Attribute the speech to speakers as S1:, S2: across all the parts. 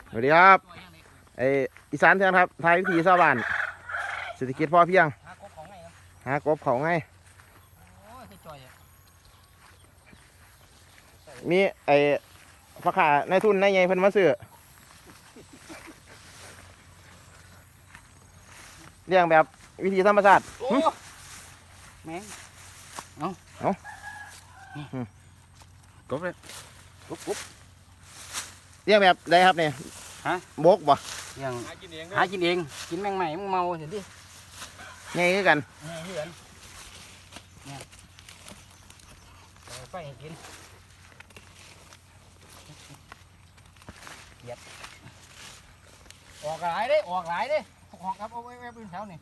S1: สวัสดีครับอีสานเถื่อนครับไทยวิถีชาวบ้านเศรษฐกิจพอเพียงหากบเขาไงมีพ่อค้าในทุนในไงเพิ่นมาซื้อเลี้ยงแบบวิธีธรรมชาติ
S2: แมงกบเลยกบ
S1: เลี้ยงแบบใดครับเนี่ย
S2: ฮะ
S1: บกบ่
S2: ยังหากินเองกินแมงใหม่มึงเมาเห็นดิ
S1: ไงคือกัน
S2: ไงเหือนเนี่ยไฟให้กินเหยียบออกหลายเด้ออกครับเอาไว้บนแถวนี่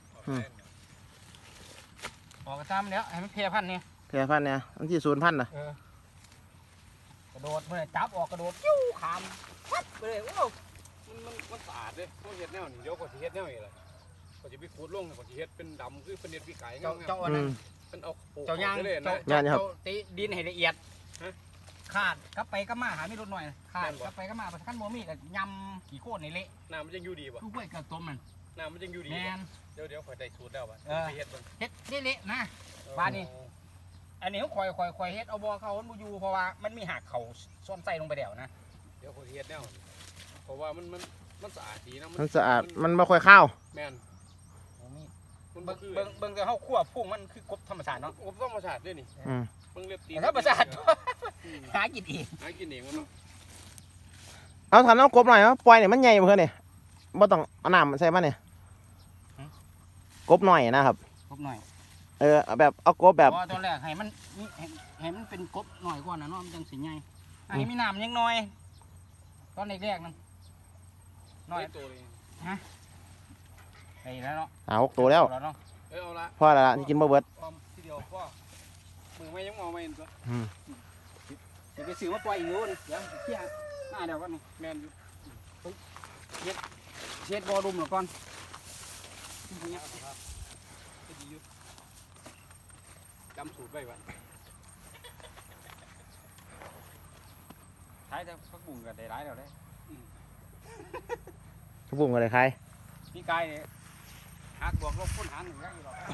S2: ออกกระซ้ำแล้วให้มันเพลียพันนี่
S1: เพลียพันเนี่ยมันที่0,000น่ะ
S2: กระโดดเมื่อจับออกกระโดดยิ้วขามพัดไปเลยโอ้
S3: มันสะอาดเลยเขาเฮ็ดแนวนี่เดี๋ยวก็สิเฮ็ดแนวนี่แหละก็จะไปขูดลงก็สิเฮ็ดเป็นดำคือเป็นเน็ดพี่ไก่เ
S2: จ้านั้น
S3: มันเอา
S2: เจ้าย่าง
S1: เ
S2: จ้าตีดินให้ละเอียดขาดกลับไปก็มาหาไม่ลดหน่อยขาดกลับไปก็มาขั้นโมมี่กับยำขี้โคตรในเละ
S3: น้ำมันยังอยู่ดีป่ะ
S2: ลูกกล้วยกับต้มมัน
S3: น้ำมันยังอยู่ดีเดี๋ยวข่อยได้สูตรแล้วป่ะไปเฮ็ดมัน
S2: เฮ็ดเละนะบ้านนี้อันนี้เขาคอยเฮ็ดเอาบ่เขามันบ่อยู่เพราะว่ามันมีหักเขาซ่อนใส่ลงไปเดี่ยวนะ
S3: เดี๋ยวข่อยเฮ็ดแนวเพราะว่ามันสะอาดดีนะ
S1: มันสะอาดมันไม่ค่อยข้าว
S3: แม่น
S2: เบิ่งแต่เขาคั่วพุ่งมันคือกบธรรมชาติเนาะ
S3: กบธรรมชาติด้วยนี่เบิ่งเรียบตี
S2: ธรรมชาติหากินเอง
S3: มันเนาะ
S1: เอาทำน้ำกบหน่อยครับปล่อยเนี่ยมันใหญ่เพื่อนเนี่ยบ่ต้องเอาน้ำใส่มันเนี่ยกบหน่อยนะครับ
S2: กบหน่อย
S1: แบบเอากบแบบ
S2: ตอนแรกให้มันเป็นกบหน่อยก่อนนะเนาะมันจังสิใหญ่ให้มีน้ำยังน้อยตอนแรกนั่นน้อย
S3: ตัวเลย
S2: ฮะไอ้แล้วเนาะ
S1: 6 ตัวแล้ว
S3: เอาละ
S1: พ่อละที่กินบ่เบิด
S3: ทีเดียวพ่อมือไม่ยังมองไม่เห็นตัว
S2: เดี๋ยวไปซื้อมาปล่อยอีกนู้นเดี๋ยวเที่ยหน้าเดี๋ยวก่อนนี่
S3: แมนอยู่
S2: เช็ดบอดุมหน่อยก่อน
S3: จำสูตรไว้ก่อน
S2: ใช้แต่พักบุ้งกับได้ร้ายเดี๋ยวได้
S1: กระบุ้งอะไรใคร
S2: พี่กายเนี่ยหักบวกลบคูณหารหนึ่งได้อยู่หรอก